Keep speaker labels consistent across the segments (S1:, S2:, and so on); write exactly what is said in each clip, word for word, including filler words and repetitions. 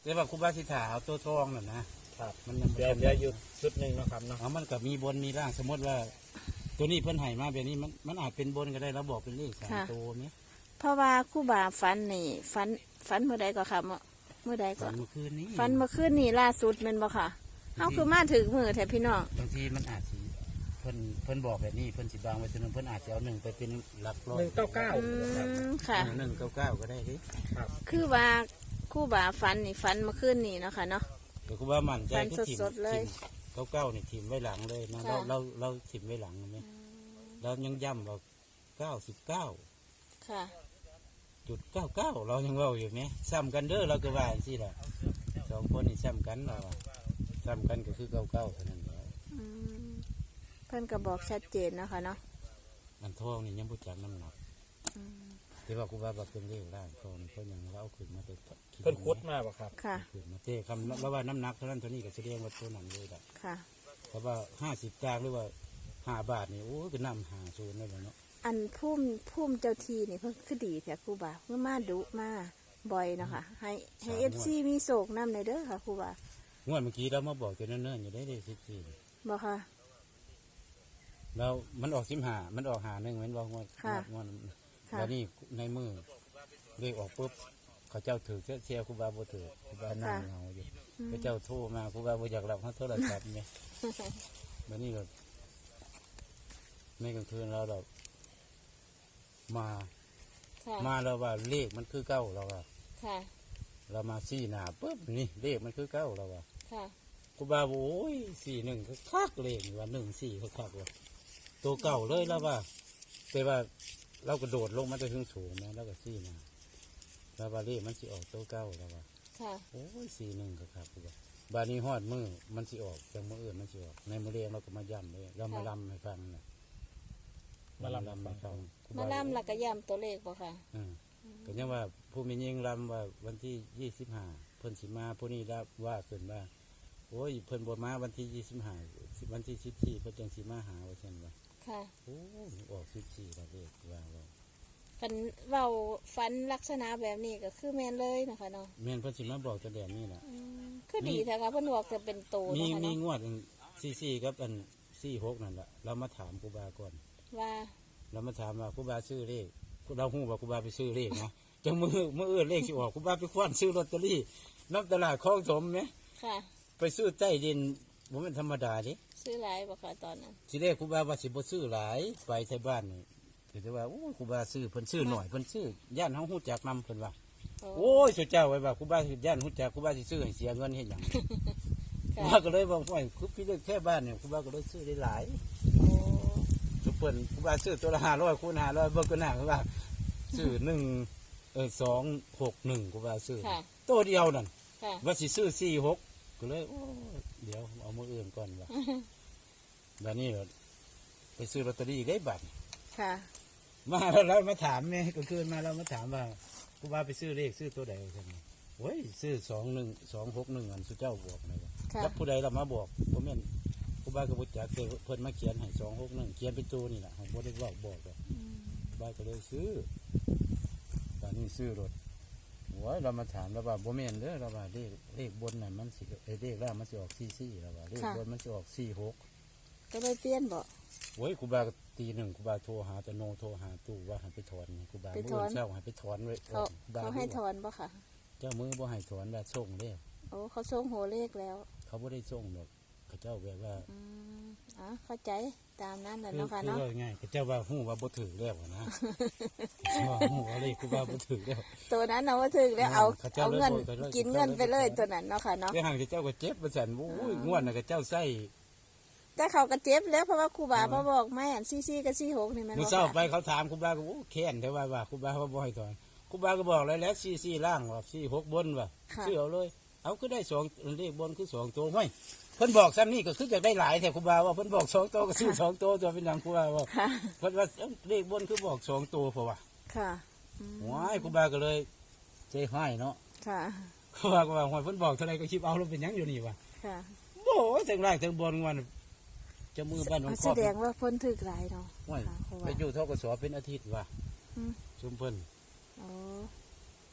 S1: แต่ว่าครูบาสิถาเอาตัวทองน่ะนะครับมันยัง
S2: เดี๋ยวเดี๋ยวอยู่ชุดหนึ่งนะครับเนาะ
S1: เอามันก็มีบนมีล่างสมมติว่า ตัวนี้เพิ่นให้มาแบบนี้มันมันอาจเป็นบนก็ได้เราบอกเป็นเลขสามตัวไหม
S3: เพราะว่าครู่บาฝันนี่ฝันฝันเมื่อใดก็ค่ะเมื่อเมื่อใดก็
S1: ฝันเมื่อคืนนี้
S3: ฝันเมื่อคืนนี่ล่าสุดแมันบ่ค่ะเฮาคือมาถึงมือแท้พี่น้อง
S1: บางทีมันอาจสิเพิ่นเพิ่นบอกแบบนี้เพิ่นสิบางไว้ตัวหนึงเพิ่นอาจจะเอาหนึ่งไปเป็นหลักร้อย
S2: หนึ่งเก้าเก้า
S3: อืมค่ะ
S1: หนึ่งเก้าเก้าก็ได้ดิ
S2: ครับ
S3: คือว่าครู่บาฝันนี่ฝันเมื่อคืนนี่เนาะค่ะเนาะ
S1: เดี๋ยวครูบามั่นใจ
S3: ฝัน
S1: คือถิ่ม
S3: สดๆเลย
S1: เก้าเก้านี่ถิ่มไว้หลังเลยนะ
S3: ค่ะ
S1: เราเราเราถิ่มไว้หลังไหมเรายังย้ำว่าเก้าสิบเก้า
S3: ค่ะ
S1: จุดเก้าเก้าเรายังเว่าอยู่ไหมซ้ำกันเด้อเราก็ว่าสิแหละสองคนนี่ซ้ำกันเราอะซ้ำกันก็คือเก้าเก้าเท่านั้นแหละ
S3: อืมเพิ่นก็บอกชัดเจนเนาะค่ะเนาะ
S1: อันทองนี่ยังพูดจักน้ำหนัก
S3: อืม
S1: ที่ว่าครูบาบอกเป็นเรื่องร่างทองนี่เขายังเราเอาขึ้นมาไป
S2: เพิ่นคุดมาบ่ครับ
S3: ค่ะ
S1: ขึ้นมาเต้คำแล้วว่าน้ำหนักเท่านั้นเท่านี้ก็แสดงว่าตัวนั้นเลยแบบ
S3: ค่ะ
S1: เพราะว่าห้าสิบจานหรือว่าห้าบาทนี่โอ้ก็นำหาศูนย์ได้แล้วเนาะ
S3: อันพุ่มพุ่มเจ้าทีนี่เพิ่นคือดีแท้ครูบาเพิ่นมาดุมาบ่อยเนาะค่ะให้ให้เอฟซีมีโศกน้ำในเด้อค่ะครูบาง
S1: วดเมื่อกี้เรามาบอกกันเนิ่นๆอยู่ได้เลยสิบสี่
S3: บ่ค่ะ
S1: เรามันออกสิบห้ามันออกหาหนึ่งเหมือนบอกงวด
S3: ค่ะ
S1: งวด
S3: ค่ะ
S1: แล้วนี่ในมือเลขออกปุ๊บเขาเจ้าถือเชียร์ครูบาบ่ถือครูบานั่งเงาอยู่พระเจ้าโทรมาครูบาบ่อยากรับเขาโทรศัพท์ไงแล้วนี่ก็ในกลางคืนเราแบบมา
S3: ค่ะ
S1: มาเราว่าเลขมันคือเก้าเราว่า
S3: ค่ะ
S1: เรามาสี่หนาปุ๊บนี่เลขมันคือเก้าเราว่า
S3: ค่ะ
S1: ครูบาบอกโอ้ยสี่หนึ่งก็คักเลขว่าหนึ่งสี่ก็คักว่าตัวเก่าเลยแล้วว่าแต่ว่าเรากระโดดลงมาจะถึงสูงนะแล้วก็สี่หนาแล้วว่าเลขมันสิออกตัวเก้าแล้วว่า
S3: ค่ะ
S1: โอ้ยสี่หนึ่งก็คักครูบาบานี้ฮอดมือมันสิออกจากมืออื่นมันสิออกในมือเรียงเราก็มาย้ำเลยเรามาลำให้ฟังนะ
S2: มาลำให้ฟัง
S1: ครู
S3: มา
S1: บ
S3: ล่ำหลักกะย่ำตัวเลขบ่ค่ะ
S1: อืมก็ยังว่าผู้มียิงรำว่าวันที่ยี่สิบห้าเพิ่นสิมาผู้นี้รับว่าเพิ่นว่าโอ้ยเพิ่นบ่มาวันที่ยี่สิบห้าวันที่สิบสี่เพิ่นจังสิมาหาว่าซั่นว่า
S3: ค่ะ
S1: โอ้ยออกสิบสี่แล้วเด็กว่าว่า
S3: ฟันเว้าฟันลักษณะแบบนี้ก็คือแม่นเลยนะคะเนาะ
S1: แม่นเพิ่นสิมาบอกแต่แบบนี้น่ะ
S3: อืมคือดีแท้ค่ะเพิ่นบอกจะเป็นโต
S1: มี
S3: เนาะค่ะ
S1: มี
S3: เนาะ
S1: งวดสี่สี่กับอันสี่หกนั่นล่ะเรามาถามครูบาก่อน
S3: ว่า
S1: เรามาถามว่าครูบาซื้อเลขเราฮู้ว่าครูบาไปซื้อเลขนะจังมือมืออื่นเลขสิออกครูบาไปคว้านซื้อลอตเตอรี่น้ำตลาดคลองถมไหม
S3: ค่ะ
S1: ไปซื้อใต้ดินบ่แม่นธรรมดาเดิ
S3: ซื้อหลายบ่ค่ะตอนนั้น
S1: ทีแรกครูบาว่าสิบ่ซื้อหลายไปไทบ้านนี่แต่ว่าโอ้ยครูบาซื้อเพิ่นซื้อหน่อยเพิ่นซื้อย่านเฮาฮู้จักนำเพิ่นว่า
S3: โอ้
S1: โอ้ยสุเจ้าไว้ว่าครูบาสิย่านฮู้จักครูบาสิซื้อให้เสียเงินเฮ็ดหยังครู
S3: ค่ะ
S1: บาก็เลยว่าโอ้ยคือพี่เลือกแค่บ้านเนี่ยครูบาก็เลยซื้อได้หลาย
S3: โอ้
S1: สุเพิ่นครูบาซื้อตัวละห้าร้อยคูณห้าร้อยเบิ่งก็น่าครูบาซื้อหนึ่งเออสองหกหนึ่งครูบาซื้อ
S3: ค่ะ
S1: ตัวเดียวนั่น
S3: ค่ะ
S1: ว่าสิซื้อสี่หกก็เลยโอ้ยเดี๋ยวเอามืออื่นก่อนว่าบัดนี้ก็ไปซื้อลอตเตอรี่ได้บัตร
S3: ค่ะ
S1: มาแล้วเรามาถามเนี่ยก็คืนมาเรามาถามว่าครูบาไปซื้อเลขซื้อตัวใดใช่ไหมโอ้ยซื้อสองหนึ่งสองหกหนึ่งอันสุเจ้าบอกนะว่า
S3: ค่ะ
S1: แล้วผู้ใดเรามาบอกผมเห็นครูบาก็บุจักเตเพิ่นมาเขียนให้สองหกหนึ่งเขียนเป็นตัวนี่แหละของบ่ได้บอกบอกเลย
S3: อืม
S1: ครูบาก็เลยซื้อตอนนี้ซื้อรถโอ้ยเรามาถามเราว่าบ่แม่นเด้อเราว่าเลขเลขบนน่ะมันสิเอ้ยเลขล่างมันสิออกสี่สี่เราว่าเลขบนมันสิออกสี่หก
S3: ก็เลยเปลี่ยนบ่
S1: โอ้ยครูบาก็ตีหนึ่งครูบาโทรหาแต่โนโทรหาตู้ว่าให้ไปถอนไงครูบาเมื่อเช้าให้ไปถอนไว้
S3: เขา
S1: ครูบา
S3: เขาให้ถอนบ่ค่ะ
S1: เจ้ามือบ่ให้ถอนแบบส่งเด้
S3: โอ้เขาส่งโหเลขแล้ว
S1: เขาบ่ได้ส่งดอกเขาเจ้าแบบว่า
S3: อืมอ๋อเข้าใจตามนั้นแหละ
S1: คือ
S3: เนาะค่ะ
S1: คือ
S3: เนาะ
S1: ว่าง่ายเขาเจ้าว่าฮู้ว่าบ่ถือแล้วนะ ว่าฮู้ว่าเลขครูบาบ่ถือแล้ว
S3: ตัวนั้นเอาว่าถึงแล้วเอา
S1: เขาเจ้า
S3: เอาเงิน
S1: เลยโดย
S3: กินเงินไปเลย
S1: เขาเจ้าเลย
S3: ตัวนั้นเนาะค่ะเนาะ
S1: แต่ห่างเขาเจ้าก็เจ็บว่าซั่นโอ้ยงวดน่ะเขาเจ้าใส่
S3: แต่เขาก็เจ็บแล้วเพราะว่าครูบามาบอกแม่อันซี่ซี่กับซี่หกนี่มัน
S1: มื้อ
S3: บ่
S1: เช้า
S3: ค่ะ
S1: ไปเขาถามครูบาก็โอ้แค้นแต่ว่าว่าครูบาว่าบ่ให้ถอนครูบาก็บอกแล้วแล้วสี่สี่ล่างว่าสี่หกบนว่า
S3: ค่ะ
S1: ซื้อเอาเลย เอาคือได้สองเลขบนคือสองตัวไม่เพิ่นบอกซ้ำนี่ก็คือจะได้หลายแต่ครูบาว่าเพิ่นบอกสองตัวก็ซื้อสองตัวตัวเป็นหยังครูบาว่า
S3: ค่ะ
S1: เพิ่นว่าเอ้าเลขบนคือบอกสองตัวเพราะว่า
S3: ค่ะอืม
S1: ว้ายครูบาก็เลยใจห้ายเนาะ
S3: ค่ะ
S1: ครูบาก็ว่าหอยเพิ่นบอกเท่าไรก็คิดเอาแล้วเป็นหยังอยู่นี่วะ
S3: ค่ะ
S1: โอ้ยถึงล่างถึงบนวันจะมือบ้านของค
S3: แส
S1: รอบ
S3: ดงว่าเพ้นถึกหลายเนาะ
S1: ว้าย
S3: ค่ะครู
S1: ไป
S3: บา
S1: อยู่ทกศเป็นอาทิตย์ว่ะ
S3: อืม
S1: ชุมเพิ่น
S3: โอ้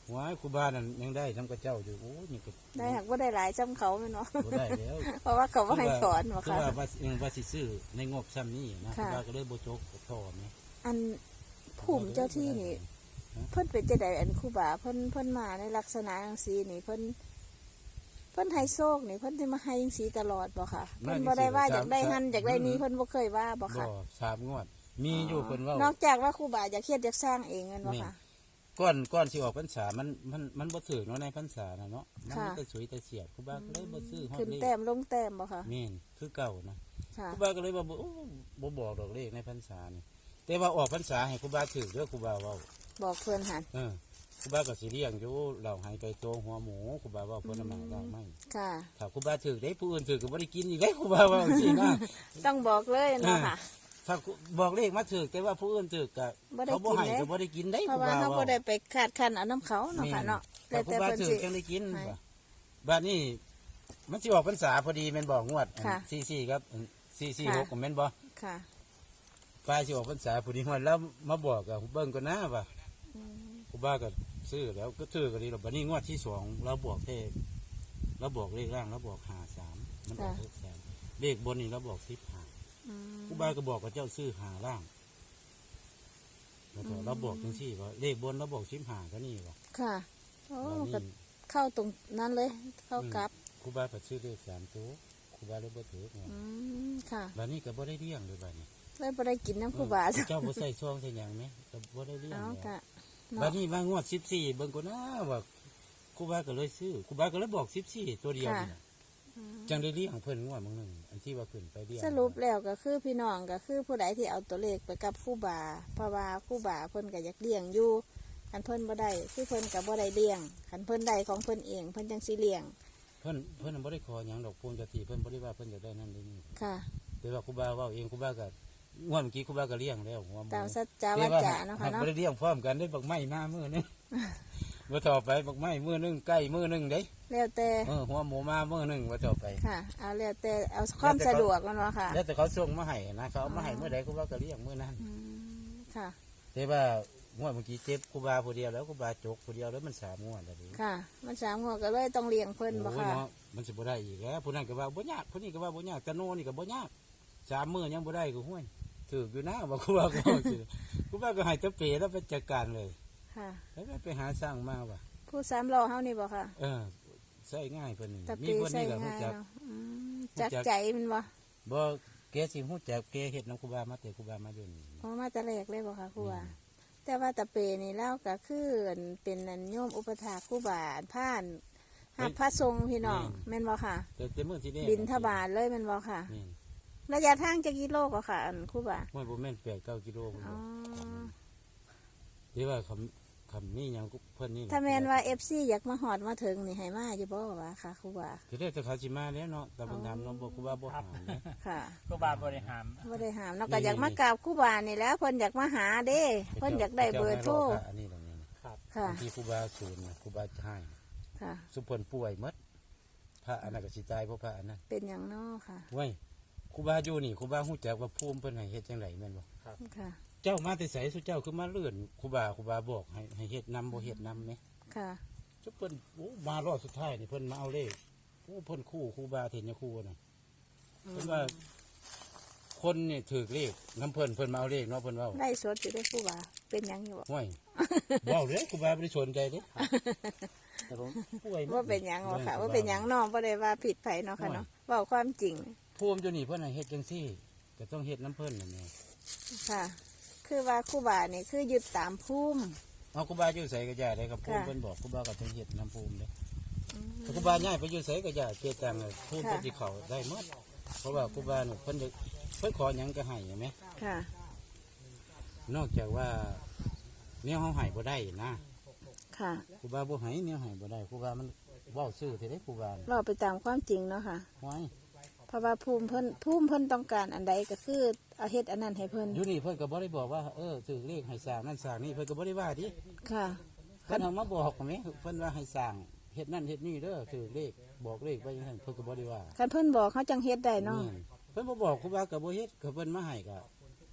S1: ว้ายครูบานั่นยังได้ทำกับเจ้าอยู่โอ้นี่ก็
S3: ได้หักว่าได้หลายจำเขาแม่นเนาะ
S1: บ่ได้แล้ว
S3: เพราะว่าเขาบ่ให้ถอนบ่
S1: คือ
S3: ค่ะ
S1: ว่าว่าเออว่าสิซื้อในงบซ้ำนี้นะค
S3: ค่ะ
S1: รูบาก็เลยบ่จกกับท่อแม่
S3: อันภูมิเจ้าที่นี่ เพิ่นเป็นจังไดอันครูบาเพิ่นเพิ่นมาในลักษณะจังซี่นี่เพิ่นเพิ่นให้โชคนี่เพิ่นสิมาให้จังซี่ตลอดบ่ค่ะเพิ่นบ่ได้ว่าอยากได้หันอยากได้นี้เพิ่นบ่เคยว่าบ่
S1: บ่
S3: ค่ะ
S1: สามงวด มีอยู่เพิ่นเว้าน
S3: อกจากว่าครูบาอยากเฮ็ดอยากสร้างเองแม่นบ่ค่ะ
S1: ก้อนก้อนสิออกพรรษามันมันมันบ่ถึงเนาะในพรรษาน่ะเนาะมัน
S3: ค่ะ
S1: แต่สวยแต่เสียดครูบาก็เลยบ่ซื้อฮอด
S3: ขึ้น
S1: เลข
S3: แต้มลงแต้มบ่ค่ะ
S1: แม่นคือเก่านะ
S3: ค่ะ
S1: ครูบาก็เลยว่าบ่โอ้บ่บอกดอกเลขในพรรษานี่แต่ว่าออกพรรษาให้ครูบาถือเด้อครูบาเว้า
S3: บอกเพิ่นหัน
S1: เออครูบาก็สิเลี้ยงอยู่เหล่าหายไก่โตหัวหมูครูบาเว่าเพิ่นน่ะมาได้ไหม
S3: ค่ะ
S1: ถ้าครูบาถือได้ผู้อื่นถือก็บ่ได้กินอีกได้ครูบาเว่าจังซี่นะ
S3: ต้องบอกเลยเนาะค่ะ
S1: ถ้าบอกเลขมาถือแต่ว่าผู้อื่นถือก็
S3: บ่ได้
S1: เขาบ่ให้
S3: กินเด้
S1: ก็บ่ได้กินได้
S3: เพ
S1: ครู
S3: ราะว่า
S1: บา
S3: เฮา
S1: เว้า
S3: บ่ได้ไปคาดคันเอาน้ำเขาเนาะค่ะเนาะ
S1: แต่
S3: แล้ว
S1: ครู
S3: แต่
S1: บา
S3: เพิ่น
S1: ถือ
S3: สิ
S1: จังได้กิน
S3: ให้
S1: บ่บัดนี้มันสิออกพรรษาพอดีแม่นบ่งวด
S3: ค่ะ
S1: สี่สิบสี่ครับสี่สิบหกก็แม่นบ่
S3: ค่ะ
S1: ปลายสิออกพรรษาพอดีฮอดแล้วมาบอกกับเบิ่งก่อนนะว่า
S3: อืม
S1: ครูบาก็ซื้อแล้วก็ซื้อก็ดีหรอกบัดนี้งวดที่สองเราบอกเทศเราบอกเลขล่างเราบอกหาสามมันออกเลขสามเลขบนนี่เราบอกสิบหา
S3: อืม
S1: ครูบาก็บอกกับเจ้าซื้อหาล่างแล้วก็
S3: อืม
S1: เราบอกจังซี่ว่าเลขบนเราบอกสิบหาก็นี่ว่า
S3: ค่ะโอ้
S1: บัด
S3: มันก็
S1: นี้
S3: เข้าตรงนั้นเลย เข้ากลับ
S1: ครูบาก็ซื้อเลขสามตัวครูบาเลยบ่ถือไง
S3: อืมค่ะ
S1: บัดนี้ก็บ่ได้เลี้ยงเลยบัดนี้
S3: เลยบ่ได้กินน้ำครูบา
S1: เออเจ้าบ่ใส่ซองใส่หยังไหมก็บ่ได้เลี้ยง
S3: เอา
S1: แล้ว
S3: กะ
S1: บัด
S3: เนาะ
S1: นี้ว่างวดสิบสี่เบิ่งก่อนนะว่าครูบาก็เลยซื้อครูบาก็เลยบอกสิบสี่ตัวเดียวนี่น่ะ
S3: อืม
S1: จังได้เลี้ยงเพิ่นงวดบางหนึ่งอันที่ว่าขึ้นไปเลี้ยง
S3: สรุปแล้วก็คือพี่น้องก็คือผู้ใดที่เอาตัวเลขไปกับครูบาเพราะว่าครูบาเพิ่นก็อยากเลี้ยงอยู่คันเพิ่นบ่ได้คือเพิ่นก็บ่ได้เลี้ยงคันเพิ่นได้ของเพิ่นเองเพิ่นจังสิเลี้ยง
S1: เพิ่นเพิ่นบ่ได้ขอหยังดอกภูมิเจ้าที่เพิ่นบ่ได้ว่าเพิ่นจะได้นั่นได้นี่
S3: ค่ะ
S1: แต่ว่าครูบาเว้าเองครูบาก็งวดเมื่อกี้ครูบาก็เลี้ยงแล้วหัวหมู
S3: ตามสัจจาวาจาเนาะค่ะ
S1: บ่
S3: เนาะ
S1: ได้เลี้ยงพร้อมกันได้บักไม้มามื้อนึง บ่ต่อไปบักไม้มื้อนึงใกล้มื้อนึงเด้
S3: แล้วแต่
S1: เออหัวหมูมามื้อนึงบ่ต่อไป
S3: ค่ะเอาแล้วแต่เอาความสะดวกมันว่าค่ะ
S1: แล้วแต่เขาส่งมาให้นะเขาเอามาให้มื้อใดครูบาก็เลี้ยงมื้อนั้น
S3: อืมค่ะ
S1: แต่ว่างวดเมื่อกี้เจ็บครูบาผู้เดียวแล้วครูบาจกผู้เดียวแล้วมันสามงวดแล้วดิ
S3: ค่ะ มันสามหัวก็เลยต้องเลี้ยงเพิ่นบ่
S1: โอ้ย
S3: ค่ะ
S1: เนาะมันสิบ่ได้อีกแล้วผู้นั้นก็ว่าบ่ยากผู้นี้ก็ว่าบ่ยากตะโนนี่ก็บ่ยากสามมื้อยังบ่ได้ก็ห้วยถืออยู่นะว่าครูบาก็ว่าสิครูบาก็ให้ตะเปแล้วไปจัดการเลย
S3: ค่ะ
S1: แล้วไปหาสร้างมาว่ะ
S3: ผู้สามล้อเฮานี่บ่ค่ะ
S1: เออใช้ง่ายเพิ่นนี่
S3: ตะ
S1: มี
S3: ปี
S1: เพิ่น
S3: ใส่
S1: นี่ก็ฮู้
S3: ง่าย
S1: จัก
S3: เนาะอืม
S1: รู้จั
S3: จั
S1: ก
S3: กใจมันบ่
S1: บ่แกสิฮู้จักแกเฮ็ดนำครูบามาแต่ครูบามาอยู่นี่
S3: อ๋อมาแต่แรกเลยบ่ค่ะครูบาแต่ว่าตะเปนี่เล่าก็คือเป็นนันโยมอุปถากครูบาผ่านหับพระทรงฆ์พี่น้องแม่นบ่ค่ะ
S1: แต่แต่มื้อที่แรก
S3: บินทบาทเลยแม่นบ่ค่ะ
S1: นี่
S3: ระยะทางจักกิโลก็ค่ะ อันครูบา
S1: ห้วยบ่แม่นแปดเก้ากิโลพุ่น
S3: อ๋อ
S1: ที่ว่าคำคำนี้หยังเพิ่นนี่
S3: ถ้าแม่นว่า เอฟ ซี อยากมาหอดมาถึงนี่ให้มาอยู่บ่ว่าค่ะครูบา
S1: คือได้แต่เขาสิมาแล้วเนาะแต่เพิ่นถามน้องบ่ครูบาบ่หามนะ
S3: ค่ะ
S2: ครูบาบริหาร
S3: บ่ได้ห้ามเนาะก็อยากมากราบครูบานี่แหล้วเพิ่นอยากมาหาเด้เพิ่นอยากได้เบอร์โทร
S1: พะอันนี้ตรงนี้นะครับ
S3: ค่ะ
S1: บางที่ครูบาศูนย์นะครูบาให้
S3: ค่ะ
S1: สุพลป่วยหมดพระอันนั้นก็สิตายเพราะพระอันนั้น
S3: เป็นอย่างน้อค่ะ
S1: เว้ยครูบาอยู่นี่ครูบาฮู้จักว่าภูมิเพิ่นให้เฮ็ดจังไดแม่นบ่
S3: ค่ะ
S1: เจ้ามาแต่ไสสุเจ้าคือมาเลื่อนครูบาครูบาบอกให้ให้เฮ็ดนำบ่เฮ็ดนำแหม
S3: ค่ะ
S1: จุเพิ่นโอ้มารอบสุดท้ายนี่เพิ่นมาเอาเลขโอ้เพิ่นคู่ครูบาเทนยครูน่ะเพิ่นว่า คนนี่ถือเลขน้ำเพิ่นเพิ่นมาเอาเลขเนาะเพิ่นเว้า
S3: ไล่สดอยู่ได้ครูบาเป็นหยังอยู่บ่
S1: ห้วย เว้าเลยครูบาบ่ได้สนใจเด้แต่ผมป่วยหมด
S3: ว่าเป็นหยังบ่ค่ะว่าเป็นหยังน้องบ่ได้ว่าผิดไผเนาะค่ะเนาะเว้าความจริง
S1: ภูมิอยู่นี่เพิ่นให้เฮ็ดจังซี่ก็ต้องเฮ็ดน้ำเพิ่นนั่นแหละ
S3: ค่ะ คือว่าครูบานี่คือยึดตามภูมิ
S1: เอาครูบาอยู่ไสก็ย่าได้กับภูมิ
S3: ค่ะ
S1: เพิ่นบอกครูบาก็ต้องเฮ็ดน้ำภูมิเด้ถ้าครูบาย้ายไปอยู่ไสก็ย่าเจตังเลยภูมิเพิ่นสิเข้าได้หมดเพราะว่าครูบานี่เพิ่นจะเพิ่นขอหยังก็ให้ใช่ไหม
S3: ค่ะ
S1: นอกจากว่าแนวเฮาให้บ่ได้นะ
S3: ค่ะ
S1: ครูบาบ่ให้แนวให้บ่ได้ครูบามันเว้าซื่อที่ได้ครูบา
S3: เราไปตามความจริงเนาะค่ะ
S1: ห้วย
S3: เพราะว่าภูมิเพิ่นภูมิเพิ่นต้องการอันใดก็คือเอาเฮ็ดอันนั้นให้เพิ่น
S1: อยู่นี่เพิ่นก็บ่ได้บอกว่าเออถือเลขให้สร้างนั่นสร้างนี่เพิ่นก็บ่ได้ว่าดิ
S3: ค่ะ
S1: เพิ่นเอามาบอกแหมเพิ่นว่าให้สร้างเฮ็ดนั่นเฮ็ดนี่เด้อถือเลขบอกเลขไปจังซั่นเพิ่นก็บ่ได้ว่า
S3: คันเพิ่นบอกเขาจังเฮ็ดได้เนาะ
S1: นี่เพิ่นบ่บอกครูบาก็บ่เฮ็ดก็เพิ่นมาให้ก็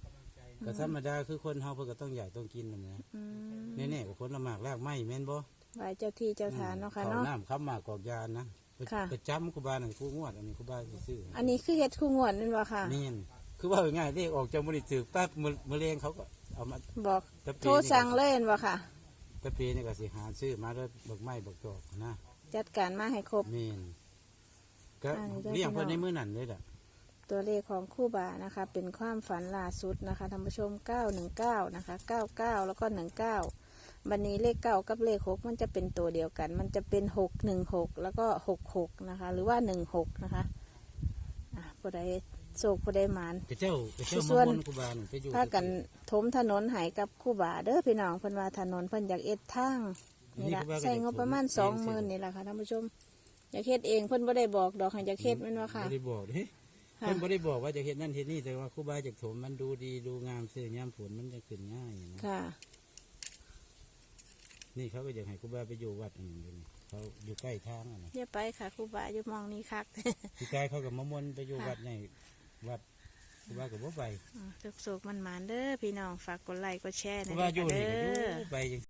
S1: ก็ธรรมดาคือคนเฮาเพิ่นก็ต้องอยากต้องกินนั่นแหละ
S3: อืม
S1: แน่ๆก็ผลละหมากรากไม้แม่นบ่
S3: ไหว้เจ้าที่เจ้าทานเนาะค่ะ
S1: ข้าว
S3: เนาะ
S1: น้ำข้าวหมากกอกยานนะไป
S3: ค่ะ
S1: ไปจำครูบาหนึ่งครูงวดอันนี้ครูบาซื้อ
S3: อันนี้คือเฮ็ดคู่งวดนั่นบ่ค่ะ
S1: นี่นคือว่าง่ายๆเลขออกจากบริจึกแป๊บมือมือเลงเขาก็เอามา
S3: บอก
S1: ตะปี
S3: โทรสั่งเลยนั่นบ่ค่ะ
S1: ตะปีนี่ก็สิหาซื้อมาแล้วบักไม้บักจอกนะ
S3: จัดการมาให้ครบ
S1: มีนก็
S3: อันนี้ได้
S1: เลี้ยงเพิ่น
S3: พี่น้อง
S1: ในมือนั่นเลยล่ะ
S3: ตัวเลขของคู่บานะคะ เป็นความฝันล่าสุดนะคะท่านผู้ชมเก้าหนึ่งเก้านะคะเก้าเก้าแล้วก็หนึ่งเก้าบันนี้เลขเก้ากับเลขหกมันจะเป็นตัวเดียวกัน มันจะเป็นหกหนึ่งหกแล้วก็หกหกนะคะ หรือว่าหนึ่งหกนะคะอ่ะผู้ใดโศกผู้ใดหมาน
S1: กระเจ้ากระเจ้า
S3: ส่
S1: มา
S3: วน
S1: บนครูบาหนึ่งไปอยู่
S3: พากันถมถนนใหายกับคู่บาเด้อพี่น้องเพิ่นว่าถนนเพิ่นอยากเอ็ดทางนี่ละใส่งบประมาณสองหมื่นนี่แหละค่ะท่านผู้ชมอยากเฮ็ดเองเพิ่นบ่ได้บอกดอกให้อยากเฮ็ดแม่นว่าค่ะ
S1: ไม่ได้บอกเด้
S3: ค่ะ
S1: เพิ่นบ่ได้บอกว่าจะเฮ็ดนั่นเฮ็ดนี่แต่ว่าครูบาจากถมมันดูดีดูงามซื้อยามฝนมันจะขึ้นง่ายนะ
S3: ค่ะ
S1: นี่เขาก็อยากให้ครูบาไปอยู่วัดอันนึงอยู่นี่เขาอยู่ใกล้ทางอ่ะนะ
S3: อย่าไปค่ะครูบาอยู่มองนี่คัก
S1: พี่กายเขากับมะม่วนไปอยู่
S3: ค่ะ
S1: วัดในวัดครูบากับบ่ไป
S3: สุกๆมันหมานๆเด้อพี่น้องฝากกดไลค์กดแชร์
S1: ค
S3: ห
S1: รู
S3: นะ
S1: บาอยู่
S3: เด้
S1: นี่ก็อยู่
S3: อ
S1: ไปจัง